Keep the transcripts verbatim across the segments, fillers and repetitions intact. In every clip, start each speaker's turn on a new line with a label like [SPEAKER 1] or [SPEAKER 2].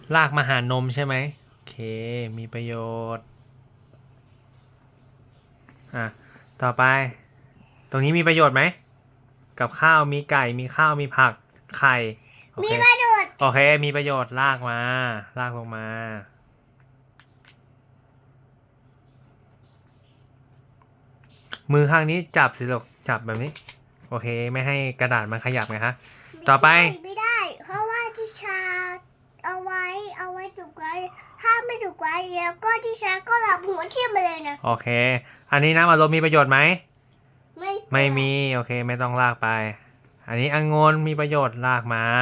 [SPEAKER 1] ลากมาหานมใช่ไหมโอเคมีประโยชน์อ่ะต่อไปตรงนี้มีประโยชน์ไหมกับข้าวมีไก่มีข้าวมีผักไข่โอ
[SPEAKER 2] มี
[SPEAKER 1] เค
[SPEAKER 2] ประโยชน์
[SPEAKER 1] โอเคมีประโยชน์ลากมาลากลงมามือข้างนี้จับสิลูกจับแบบนี้โอเคไม่ให้กระดาษมันขยับไงฮะต่อไป
[SPEAKER 2] ไม่ได้เพราะว่าที่ชาเอาไว้เอาไว้ถูกไว้ถ้าไม่ถูกไว้แล้วก็ที่ชาก็หลับหัวเทียมไปเลยนะ
[SPEAKER 1] โอเคอันนี้น้ำอัดลมมีประโยชน์ไหม
[SPEAKER 2] ไม่
[SPEAKER 1] ไม่มีโอเคไม่ต้องลากไปอันนี้องุ่นมีประโยชน์ลากมา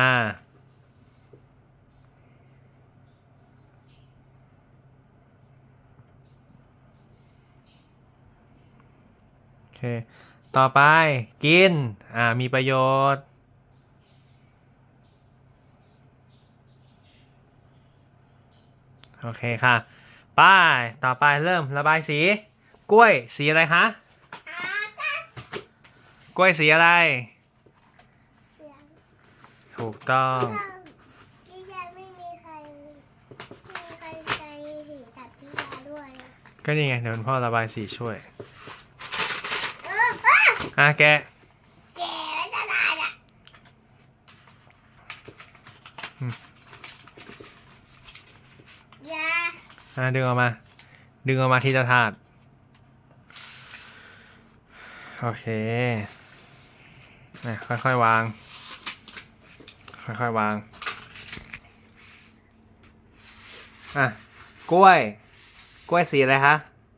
[SPEAKER 1] โอเคต่อไปกินอ่ามีประโยชน์โอเคค่ะป้ายต่อไปเริ่มระบายสีกล้วยสีอะไรคะกล้วยสีอะไรถูกต้อง
[SPEAKER 2] ที่ชาไม่มีใครไม่มีใครใจถึงกับที่ชาด้วย
[SPEAKER 1] ก็นี่ไงเดี๋ยวคุณพ่อระบายสีช่วย
[SPEAKER 2] เออเออ
[SPEAKER 1] อ่ะแกะ
[SPEAKER 2] แก่แล้วจะได้ละยา
[SPEAKER 1] อ่ะดึงออกมาดึงออกมาทีละถาดโอเคนะค่อยๆวางค่อยๆวางอ่ะกล้วยกล้วยสีอะไรคะ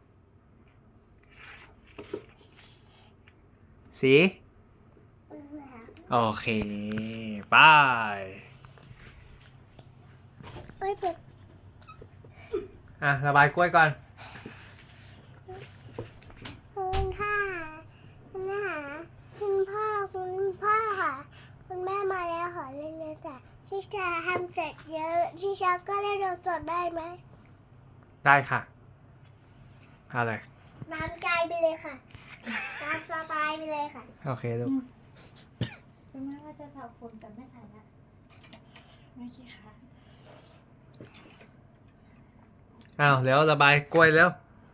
[SPEAKER 1] สีโอเคไป้าย
[SPEAKER 2] เอ้ยเปิด
[SPEAKER 1] อ่ะระบายกล้วยก่อน
[SPEAKER 2] คุณพ่อคุณแม่คุณพ่อคุณพ่อค่ะคุณแม่มาแล้วขอเล่นเลยจ้ะที่ชาทำเสร็จเยอะที่ชาก็เล่นเราสดได้ไหม
[SPEAKER 1] ได้ค่ะอะไร
[SPEAKER 2] น้ำใจไปเลยค่ะน้ำสบายไปเลยค่ะ
[SPEAKER 1] โอเคลูก
[SPEAKER 3] คุณแม่ว่าจะสาวผมแต่ไม่ถ่ายละไม่ใช่ค่ะ
[SPEAKER 1] อ้าวแล้วระบายกล้วยแล้ว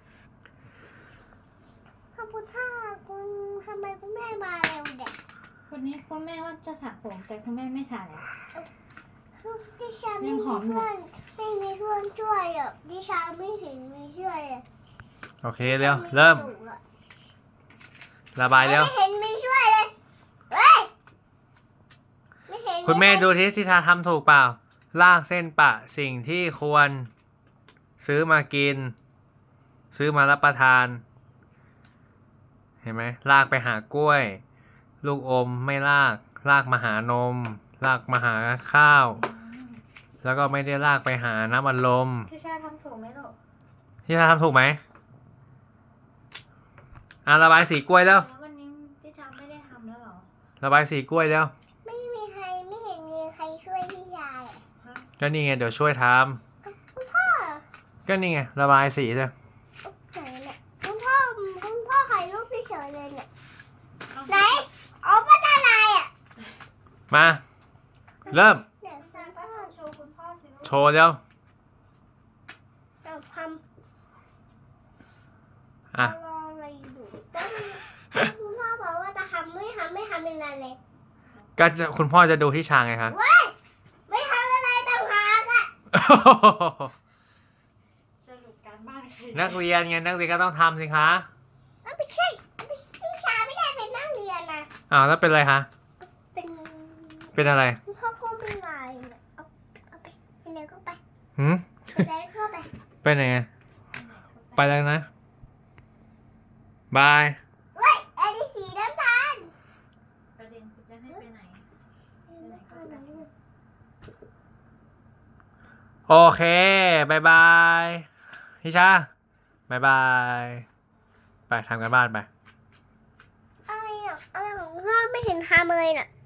[SPEAKER 2] ขอบคุณค่ะคุณทำไมคุณแม่มาเร็วเด็ก
[SPEAKER 3] วันนี้คุณแม่ว่าจะสระผมแต่คุณแม่ไม่สระแล้ว
[SPEAKER 2] ดิฉันไม่มีเพื่อนไม่มีเพื่อนช่วยอ่ะดิฉันไม่เห็นไม่ช่วยอ่ะ
[SPEAKER 1] โอเคเร็วเริ่มระบายแล้ว
[SPEAKER 2] ไม่เห็นไม่ช่วยเลยเฮ้ยไม่เห็น
[SPEAKER 1] คุณแม่ดูที่สิทาทำถูกเปล่าลากเส้นปะสิ่งที่ควรซื้อมากิน ซื้อมารับประทาน เห็นไหมลากไปหากล้วย ลูกอมไม่ลาก ลากมาหานม ลากมาหาข้าว แล้วก็ไม่ได้ลากไปหาน้ำอัดลม
[SPEAKER 3] ทิชาทำถูกไหมลูก
[SPEAKER 1] ที่ทาทำถูกไหมอ่ะระบายสีกล้วยแล้ว
[SPEAKER 3] แล้ววันนี้ทิชาไม่ได้ทำแล้วเหรอ
[SPEAKER 1] ระบายสีกล้วยแล้ว
[SPEAKER 2] ไม่มีใครไม่เห็นมีใครช่วยพี่ชายอ่ะ
[SPEAKER 1] ก็นี่ไงเดี๋ยวช่วยท
[SPEAKER 2] คุณพ่อ
[SPEAKER 1] ำก็นี่ไงระบายสีเลย
[SPEAKER 2] ไหนเนี่ยคุณพ่อคุณพ่อถ่ายรูปพี่เฉยเลยเนี่ยไหนอ๋อป้าตาลายอ่ะ
[SPEAKER 1] มาเริ่ม
[SPEAKER 2] เดี๋ยวฉันก็
[SPEAKER 3] โชว์คุณพ่อสิลูก
[SPEAKER 1] โชว์แล้ว
[SPEAKER 2] จะทำ
[SPEAKER 1] อ่ะ
[SPEAKER 2] รออะไรอยู่คุณพ่อบอกว่าจะทำไม่ทำไม่ทำเป็นไรเลย
[SPEAKER 1] ก็จะคุณพ่อจะดูที่ชางไงคะ
[SPEAKER 2] เว้ยไม่ทำอะไรต่างหากอ่ะ
[SPEAKER 3] สรุปการบ้านใคร
[SPEAKER 1] นักเรียนไงนักเรียนก็ต้องทำสิคะ
[SPEAKER 2] อ้าวไม่ใช่ไม่ใช่พี่ชายไม่ได้เป็นนักเรียนนะ
[SPEAKER 1] อ้าวแล้วเป็นอะไรคะ
[SPEAKER 2] เป็น
[SPEAKER 1] เป็นอะไร
[SPEAKER 2] คุณพ่อก็เป็นไรเนี่ยเอาเอาไปไปไหนก็ไป
[SPEAKER 1] หืม
[SPEAKER 2] ไปไหนก็ไป
[SPEAKER 1] ไปไหนไงไปแล้วนะบาย
[SPEAKER 2] เว้ยไอ้ที่สีน้ำตาล
[SPEAKER 3] ประเด็นคือจะให้ไปไหน
[SPEAKER 1] โอเคบายบายพี่ชาบายบายไปทำกันบ้านไป
[SPEAKER 2] อะไรอ่ะอะไรของพ่อไม่เห็นทำเลยน่ะ